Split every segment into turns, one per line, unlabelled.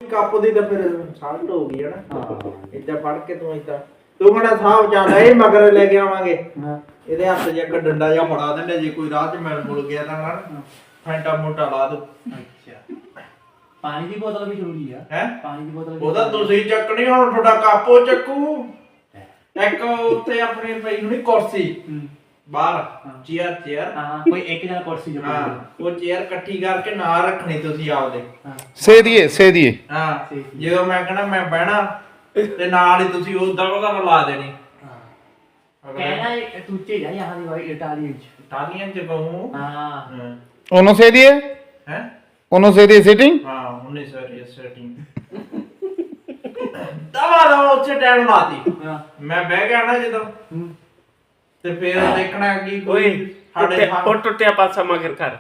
Cup ਦੀ ਤਾਂ ਫਿਰ salt ਹੋ ਗਈ ਹੈ ਨਾ ਇੱਦਾਂ ਫੜ ਕੇ ਤੂੰ ਇੱਦਾਂ ਤੂੰ ਕਹਿੰਦਾ ਸਾਹਿਬ ਚੱਲ ਇਹ ਮਗਰ ਲੈ ਕੇ ਆਵਾਂਗੇ ਇਹਦੇ ਹੱਥ 'ਚ ਇੱਕ ਡੰਡਾ ਜਿਹਾ ਫੜਾ ਦਿੰਦੇ ਜੇ ਕੋਈ ਰਾਹ 'ਚ ਮਿਲ ਮੁਲ ਗਿਆ ਤਾਂ ਨਾ ਫੈਂਟਾ ਮੋਟਾ ਲਾ ਦੋ।
ਅੱਛਾ ਪਾਣੀ ਦੀ ਬੋਤਲ ਵੀ ਜ਼ਰੂਰੀ ਆ
ਹੈ
ਪਾਣੀ ਦੀ ਬੋਤਲ
ਉਹਦਾ ਤੁਸੀਂ ਚੱਕਣੀ ਹੁਣ ਤੁਹਾਡਾ ਕਾਪੋ ਚੱਕੂ ਇੱਕ ਉੱਤੇ ਆਪਣੀ ਪਈ ਹੋਣੀ ਕੁਰਸੀ ਬਾਹਰ ਚੇਅਰ
ਹਾਂ ਕੋਈ ਇੱਕ ਜਣਾ ਕੁਰਸੀ ਜੋ
ਹਾਂ ਉਹ ਚੇਅਰ ਇਕੱਠੀ ਕਰਕੇ ਨਾਲ ਰੱਖਣੀ ਤੁਸੀਂ ਆਪਦੇ
ਸੇ ਦੀਏ
ਹਾਂ ਜਦੋਂ ਮੈਂ ਕਹਣਾ ਮੈਂ ਬਹਿਣਾ ਤੇ ਨਾਲ ਹੀ ਤੁਸੀਂ ਉਦਾਂ ਉਹਦਾ ਲਾ ਦੇਣੀ
ਕਹਿਣਾ ਤੂੰ ਚੇੜਾ ਯਹਾਂ ਦੀ ਵਾਈ ਇਟਾਲੀਅਨ ਚ
ਇਟਾਲੀਅਨ ਚ ਕਹੂੰ
ਹਾਂ
ਉਹਨੂੰ ਸੇ ਦੀਏ
ਹੈ
ਉਹਨੂੰ ਸੇ ਦੀਏ ਸੀਟਿੰਗ
ਹਾਂ ਉਹਨੇ ਸਾਰੀ ਸੈਟਿੰਗ ਦਵਾ ਉੱਥੇ ਟਾਈਮ ਲਾਤੀ ਮੈਂ ਬਹਿ ਗਿਆ ਨਾ ਜਦੋਂ ਤੇ ਫਿਰ ਦੇਖਣਾ ਕੀ ਕੋਈ ਸਾਡੇ
ਉਹ ਟੁੱਟਿਆ ਪਾਸਾ ਮਗਰ ਕਰ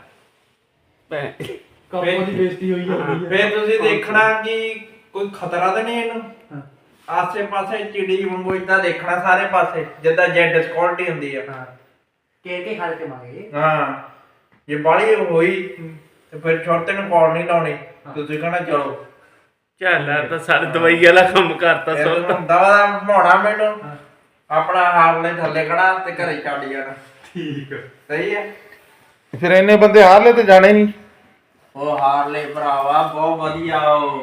ਕੱਪੋ ਦੀ ਬੇਇੱਜ਼ਤੀ ਹੋਈ ਜਾਂਦੀ ਹੈ
ਫਿਰ ਤੁਸੀਂ ਦੇਖਣਾ ਕਿ ਕੋਈ ਖਤਰਾ ਤਾਂ ਨਹੀਂ ਇਹਨੂੰ ਆਸੇ ਪਾਸੇ ਚਿੜੀ ਵਾਂਗੂ ਇਦਾਂ ਦੇਖਣਾ ਸਾਰੇ ਪਾਸੇ ਜਿੱਦਾਂ ਜੈਡ ਸਕਿਉਰਟੀ ਹੁੰਦੀ ਆ
ਕੇ ਖਾ ਕੇ ਮੰਗੇ
ਹਾਂ ਜੇ ਬਾਲੀ ਹੋਈ ਤੇ ਫਿਰ ਛੋਟੇ ਨੂੰ ਕਾਲ ਨਹੀਂ ਲਾਉਣੀ ਤੁਸੀਂ ਕਹਣਾ ਚਲੋ
ਚੱਲ ਤਾਂ ਸਾਰੇ ਦਵਾਈ ਵਾਲਾ ਕੰਮ ਕਰਤਾ ਸੋ
ਦਵਾ ਭਾਉਣਾ ਮੈਨੂੰ ਆਪਣਾ ਹਾਰਲੇ ਥੱਲੇ ਖੜਾ ਤੇ ਘਰੇ ਛੱਡ ਜਾਣਾ
ਠੀਕ
ਸਹੀ ਹੈ
ਫਿਰ ਇੰਨੇ ਬੰਦੇ ਹਾਰਲੇ ਤੇ ਜਾਣੇ ਨਹੀਂ
ਉਹ ਹਾਰਲੇ ਭਰਾਵਾ ਬਹੁਤ ਵਧੀਆ ਉਹ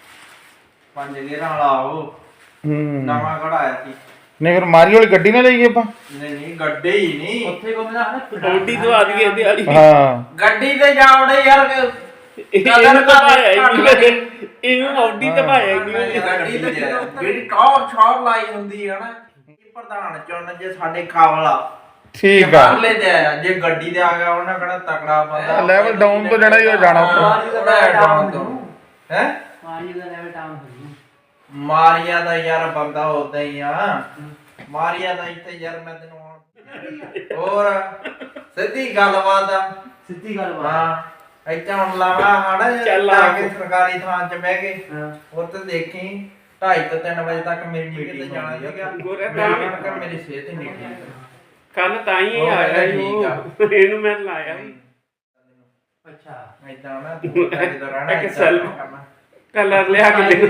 5 ਗੇਅਰਾਂ ਵਾਲਾ ਉਹ ਨਵਾਂ ਕਢਾਇਆ ਸੀ
ਨਹੀਂ ਫਿਰ ਮਾਰੀ ਵਾਲੀ ਗੱਡੀ ਨਾ ਲਈਏ ਆਪਾਂ
ਨਹੀਂ ਗੱਡੀ ਹੀ ਨਹੀਂ
ਉੱਥੇ ਕੋਮਦਾ ਨਾ
ਔਡੀ ਦਵਾ ਦਈਏ ਇਹਦੇ ਵਾਲੀ
ਹਾਂ
ਗੱਡੀ ਤੇ ਜਾਵੜੇ ਯਾਰ
ਇਹਨੂੰ ਤਾਂ ਭਾਇਆ ਹੀ ਨਹੀਂ ਇਹਨੂੰ ਔਡੀ ਤਾਂ ਭਾਇਆ ਹੀ ਨਹੀਂ
ਗੱਡੀ ਤੇ ਜਿਹੜੀ ਟੌਰ ਛੌਰ ਲਾਈ ਹੁੰਦੀ ਹੈ ਨਾ ਇਹ ਪ੍ਰਧਾਨ ਚੁਣ ਜੇ ਸਾਡੇ ਕਾਬਲਾ
ਠੀਕ ਆ
ਹਾਰਲੇ ਤੇ ਆਇਆ ਜੇ ਗੱਡੀ ਤੇ ਆ ਗਿਆ ਉਹਨਾਂ ਕਿਹੜਾ ਤਕੜਾ ਬੰਦਾ
ਲੈਵਲ ਡਾਊਨ ਤੋਂ ਜਿਹੜਾ ਹੀ ਹੋ ਜਾਣਾ
ਡਾਊਨ ਤੋਂ ਹੈ
ਮਾਰੀ ਦਾ ਲੈਵਲ ਡਾਊਨ ਹੋ ਗਿਆ
ਮਾਰੀਆ ਦਾ ਯਾਰ ਬੰਦਾ ਉਦਾਂ ਹੀ ਆ ਮਾਰੀਆ ਦਾ ਇੱਥੇ ਯਾਰ ਮੈਂ ਤੈਨੂੰ ਹੋਰ ਸਿੱਧੀ ਗੱਲਬਾਤ ਆ
ਸਿੱਧੀ ਗੱਲ
ਹਾਂ ਇੱਥੇ ਹੁਣ ਲਾਵਾ ਹੜਾ ਜਾ ਕੇ ਸਰਕਾਰੀ ਥਾਂ 'ਚ ਬਹਿ ਕੇ ਉੱਥੇ ਦੇਖੀ 2:30 ਤੋਂ 3 ਵਜੇ ਤੱਕ ਮੇਰੀ ਡਿਊਟੀ ਤੇ ਜਾਣਾ ਸੀਗਾ ਮੇਰੀ ਸਿਹਤ ਹੀ ਨਹੀਂ ਠੀਕ
ਕੱਲ ਤਾਂ ਹੀ ਆਇਆ ਇਹਨੂੰ ਮੈਂ ਲਾਇਆ
ਅੱਛਾ
ਏਦਾਂ ਨਾ ਜਦੋਂ ਰਹਿਣਾ
ਇੱਕ ਕਲਰ ਲਿਆ ਕੇ ਦੇ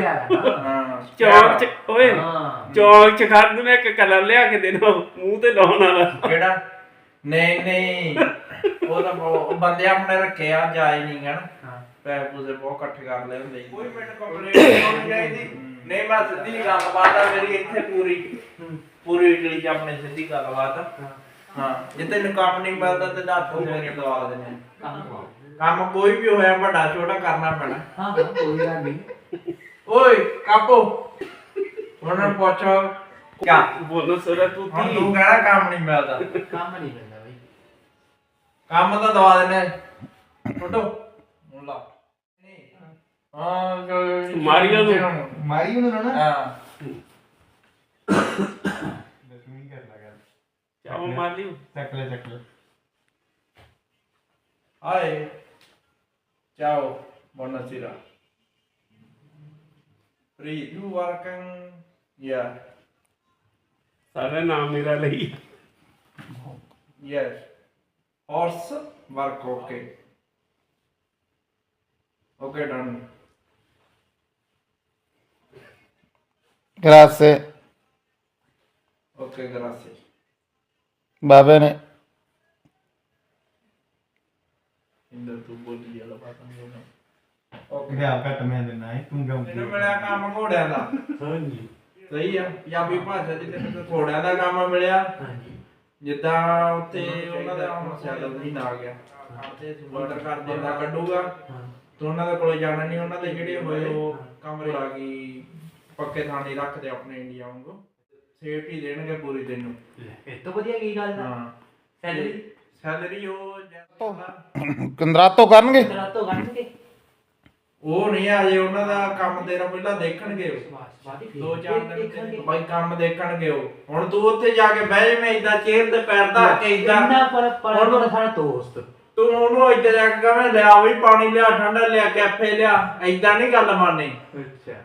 ਚੌਕ ਚ ਓਏ ਚੌਕ ਚ ਖੜ ਮੈਂ ਇੱਕ ਕਲਰ ਲਿਆ ਕੇ ਦੇਣਾ ਮੂੰਹ ਤੇ ਲਾਉਣ ਵਾਲਾ
ਕਿਹੜਾ ਨਹੀਂ ਉਹ ਤਾਂ ਉਹ ਬੰਦੇ ਆਪਣੇ ਰੱਖੇ ਆ ਜਾਏ ਨਹੀਂ ਗਣ ਪੈਸੇ ਪੂਸੇ ਬਹੁਤ ਇਕੱਠੇ ਕਰ ਲਏ ਹੁੰਦੇ ਕੋਈ ਮੈਨੂੰ ਕੰਪਲੇਂਟ ਨਹੀਂ ਚਾਹੀਦੀ ਨਹੀਂ ਮੈਂ ਸਿੱਧੀ ਗੱਲਬਾਤ ਆ ਮੇਰੀ ਇੱਥੇ ਪੂਰੀ ਇਟਲੀ ਚ ਆਪਣੇ ਸਿੱਧੀ ਗੱਲਬਾਤ ਹਾਂ ਜੇ ਤੈਨੂੰ ਕੰਮ ਨਹੀਂ ਮਿਲਦਾ ਤੇ ਦੱਸ ਤੂੰ ਮੇਰੇ ਦਵਾ ਦੇਣੇ ਕੰਮ ਕੋਈ ਵੀ ਹੋਇਆ ਵੱਡਾ ਛੋਟਾ ਕਰਨਾ ਪੈਣਾ
ਹਾਂ ਕੋਈ ਗੱਲ ਨਹੀਂ
ਓਏ ਕਾਪੋ ਉਹਨਾਂ ਨੂੰ ਪੁੱਛ ਕਿਆ
ਬੋਲੋ ਸੋਰਾ ਤੂੰ
ਹੁਣ ਤੂੰ ਕਹਿਣਾ ਕੰਮ ਨਹੀਂ ਮਿਲਦਾ
ਕੰਮ ਨਹੀਂ ਮਿਲਦਾ ਬਈ
ਕੰਮ ਤਾਂ ਦਵਾ ਦੇਣੇ ਟੋਟੋ ਹੁਣ ਲਾ ਹਾਂ
ਮਾਰੀਓ ਨੂੰ
ਮਾਰੀ ਉਹਨੂੰ ਨਾ
ਹਾਂ
ਦਸਵੀਂ ਕਰ ਲਗਾ
ਚਾਹ ਮਾਰ ਲਿਓ
ਚੱਕ ਲੈ
ਹਾਏ ਚਾਓ buonasera you working yeah
ਸਾਰਾ ਨਾਮ ਮੇਰਾ ਲਈ
yes horse work okay done
grazie
okay grazie
va bene
Inder ਤੂੰ ਬੋਲੀ ਵਾਲਾ ਬਾਤ ਨਹੀਂ ਓਕੇ
ਗਿਆ ਘਟ ਮੈਂ ਦੇਣਾ ਹੈ ਤੂੰ ਕਿਉਂ
ਮੈਨੂੰ ਮਿਲਿਆ ਕੰਮ ਘੋੜਿਆਂ ਦਾ
ਹਾਂਜੀ
ਸਹੀ ਆ ਪੰਜਾਬੀ ਭਾਸ਼ਾ ਚ ਤੈਨੂੰ ਘੋੜਿਆਂ ਦਾ ਕੰਮ ਮਿਲਿਆ
ਹਾਂਜੀ
ਜਿੱਦਾਂ ਉੱਥੇ ਉਹਨਾਂ ਦਾ ਹੁਣ ਸੈਲਰ ਨਹੀਂ ਆ ਗਿਆ ਕਰਦੇ ਬਾਰਡਰ ਕਰਦੇ ਦਾ ਕੱਢੂਗਾ ਤੇ ਉਹਨਾਂ ਦੇ ਕੋਲੇ ਜਾਣਾ ਨਹੀਂ ਉਹਨਾਂ ਦੇ ਜਿਹੜੇ ਹੋਏ ਉਹ ਕਮਰੇ ਲਾ ਕੇ ਪੱਕੇ ਥਾਣੇ ਰੱਖਦੇ ਆਪਣੇ ਇੰਡੀਆ ਵਾਂਗੂ ਸੇਫਟੀ ਦੇਣਗੇ ਪੂਰੀ ਤੈਨੂੰ
ਇਹ ਤੋਂ ਵਧੀਆ ਕੀ ਗੱਲ ਦਾ
ਹਾਂ ਸੈਲਰੀ ਉਹ
ਕੰਦਰਾਤੋ ਕਰਨਗੇ
ਰਾਤੋਂ ਗੰਢ
ਉਹ ਨਹੀਂ ਆ ਜੇ ਉਹਨਾਂ ਦਾ ਕੰਮ ਤੇਰਾ ਪਹਿਲਾਂ ਦੇਖਣਗੇ ਦੋ ਚਾਰ ਦਿਨ ਬਾਈ ਕੰਮ ਦੇਖਣਗੇ ਉਹ ਹੁਣ ਤੂੰ ਉੱਥੇ ਜਾ ਕੇ ਬਹਿ ਜਾਵੇਂ ਇਦਾਂ ਚੇਅਰ ਤੇ ਪੈਰ ਧਰ ਕੇ ਇਦਾਂ
ਪਰ ਸਾਡਾ ਦੋਸਤ
ਤੂੰ ਉਹਨੂੰ ਇੱਦਾਂ ਜਾ ਕੇ ਕਹਵੇਂ ਲਿਆ ਵੀ ਪਾਣੀ ਲਿਆ ਠੰਡਾ ਲਿਆ ਕੈਫੇ ਲਿਆ ਇਦਾਂ ਨਹੀਂ ਗੱਲ ਮੰਨਣੀ
ਅੱਛਾ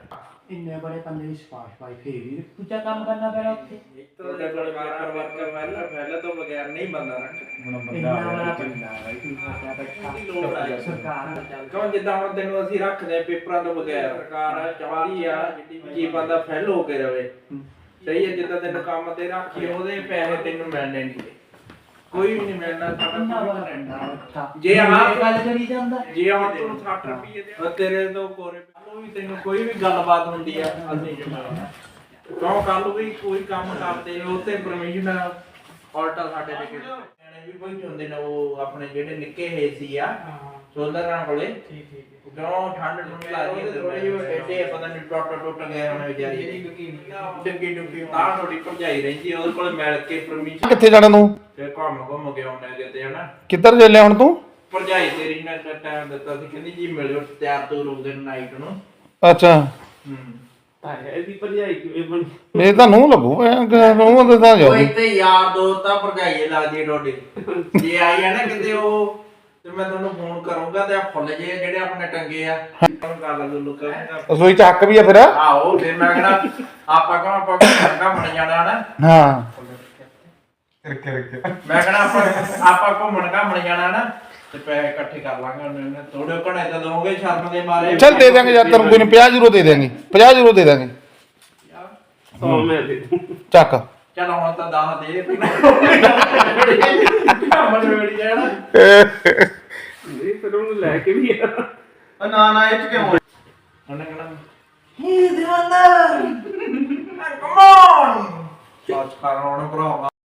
ਇੰਨੇ ਬੜੇ ਬੰਦੇ ਦੀ ਸਪਾਸ਼ ਪਾਈ ਫੇਰ ਵੀ ਦੂਜਾ ਕੰਮ ਕਰਨਾ ਪੈਣਾ ਉੱਥੇ
ਤੁਹਾਡੇ ਕੋਲ ਕਾਰ ਵਰਕਰ ਪਹਿਲਾਂ ਤੋਂ ਬਗੈਰ ਨਹੀਂ ਬੰਦਾ ਰੱਖ
ਇੰਨਾ ਬੜਾ ਬੰਦਾ ਬਾਈ ਤੂੰ ਕਿਆ ਬੈਠਾ ਸਰਕਾਰ ਦਾ ਚੱਲ
ਕਿਉਂ ਜਿੱਦਾਂ ਹੁਣ ਤੈਨੂੰ ਅਸੀਂ ਰੱਖਦੇ ਆ ਪੇਪਰਾਂ ਤੋਂ ਬਗੈਰ ਸਰਕਾਰ ਚਾਹਦੀ ਆ ਕੀ ਬੰਦਾ ਫੈਲ ਹੋ ਕੇ ਰਵੇ ਸਹੀ ਹੈ ਜਿੱਦਾਂ ਤੈਨੂੰ ਕੰਮ ਤੇ ਰੱਖੀ ਉਹਦੇ ਪੈਸੇ ਤੈਨੂੰ ਮਿਲਣੇ ਨਹੀਂ ਕੋਈ ਵੀ ਨਹੀਂ ਮਿਲਣਾ
ਇੰਨਾ ਬੜਾ ਬੰਦਾ
ਜੇ ਆਹ
ਗੱਲ ਕਰੀ ਜਾਂਦਾ
ਜੇ ਹੁਣ ਤੂੰ 60 ਰੁਪਏ ਦੇ ਤੇਰੇ ਤੋਂ ਕੋਰੇ ਵੀ ਤੈਨੂੰ ਕੋਈ ਵੀ ਗੱਲਬਾਤ ਹੁੰਦੀ ਆ ਅਸੀਂ ਕਿਉਂ ਕੱਲ ਵੀ ਕੋਈ ਕੰਮ ਕਰਦੇ ਉਹ ਤੇ ਪਰਮਿਸ਼ਨ ਆਲਟਾ ਸਾਡੇ ਤੇ ਨਿਆਣੇ ਵੀ ਕੋਈ ਹੁੰਦੇ ਨੇ ਉਹ ਆਪਣੇ ਜਿਹੜੇ ਨਿੱਕੇ ਹੈ ਸੀ ਆ ਸੋਲਰਾਂ ਕੋਲੇ ਠੀਕ ਕਿਉਂ ਠੰਡ ਨੂੰ ਲੱਗਦੀ ਹੈ ਥੋੜੀ ਜਿਹੀ ਟੇਡੇ ਪਤਾ ਨਹੀਂ ਟੁੱਟ ਗਏ ਹੁਣ ਵਿਚਾਰੀ ਡੱਗੀ ਤਾਂ ਥੋੜੀ ਭਜਾਈ ਰਹਿੰਦੀ ਉਹਦੇ ਕੋਲ ਮਿਲ ਕੇ ਪਰਮਿਸ਼ਨ
ਕਿੱਥੇ ਜਾਣਾ ਤੂੰ
ਤੇ ਘੁੰਮ ਕੇ ਆਉਣਾ ਕਿਤੇ ਹਨਾ
ਕਿੱਧਰ ਚੱਲਿਆ ਹੁਣ ਤੂੰ
ਭਰਜਾਈ ਤੇਰੀ ਨੇ ਟਾਈਮ ਦਿੱਤਾ ਸੀ ਕਹਿੰਦੀ ਜੀ ਮਿਲਿਓ ਤਿਆਰ ਤੋਂ ਰੋਦੇ ਨਾਈਟ ਨੂੰ
ਅੱਛਾ
ਇਹਦੀ ਭਰਜਾਈ ਕਿਵੇਂ ਬਣ
ਇਹ ਤਾਂ ਨੂੰ ਲੱਗੂ ਨੂੰ ਤੇ ਤਾਂ
ਉਹ
ਜਾਊਗੀ
ਇੱਥੇ ਯਾਰ ਦੋਸਤ ਆ ਭਰਜਾਈ ਲੱਗਦੀ ਡੋਡੀ ਜੇ ਆਈ ਆ ਨਾ ਕਿਤੇ ਉਹ ਤੇ ਮੈਂ ਤੁਹਾਨੂੰ ਫੋਨ ਕਰੂੰਗਾ ਤੇ ਆ ਫੁੱਲ ਜੇ ਜਿਹੜੇ ਆਪਣੇ ਟੰਗੇ ਆ ਗੱਲ ਲੁੱਲੂ ਕਰਾਂਗਾ
ਰਸੋਈ ਚ ਹੱਕ ਵੀ ਆ ਫਿਰ
ਆਹੋ ਫਿਰ ਮੈਂ ਕਹਿੰਦਾ ਆਪਾਂ ਘੁੰਮਣ ਜਾਣਾ ਨਾ
ਹਾਂ
ਮੈਂ ਕਹਿੰਦਾ ਆਪਾਂ ਘੁੰਮਣ ਜਾਣਾ ਨਾ ਤੇ ਪੈਸੇ ਇਕੱਠੇ ਕਰ ਲਾਂਗੇ ਉਹਨੇ ਥੋੜੇ ਘਣੇ ਤਾਂ ਦੋਗੇ ਸ਼ਰਮ ਦੇ ਮਾਰੇ
ਚੱਲ ਦੇ ਦਾਂਗੇ ਯਾਰ ਤੈਨੂੰ ਕੋਈ ਨਹੀਂ 50 ਯੂਰੋ ਦੇ ਦਾਂਗੇ 50 ਯੂਰੋ ਦੇ ਦਾਂਗੇ
100 ਮੈਂ ਦੇ ਦੂੰ
ਚੱਕ
ਚਲ ਹੁਣ ਤਾਂ 10 ਦੇ ਘੁੰਮਣ ਵੇੜੀ ਜਾਣਾ
ਨਹੀਂ ਫਿਰ ਉਹਨੂੰ ਲੈ ਕੇ ਵੀ ਆ
ਨਾ ਇਹ ਚ ਕਿਉਂ
ਉਹਨੇ ਕਹਿਣਾ ਹੀ ਦਿਵਾਨਾ ਕਮ ਔਨ ਸੱਚ ਕਰ ਹੁਣ ਭਰਾਵਾ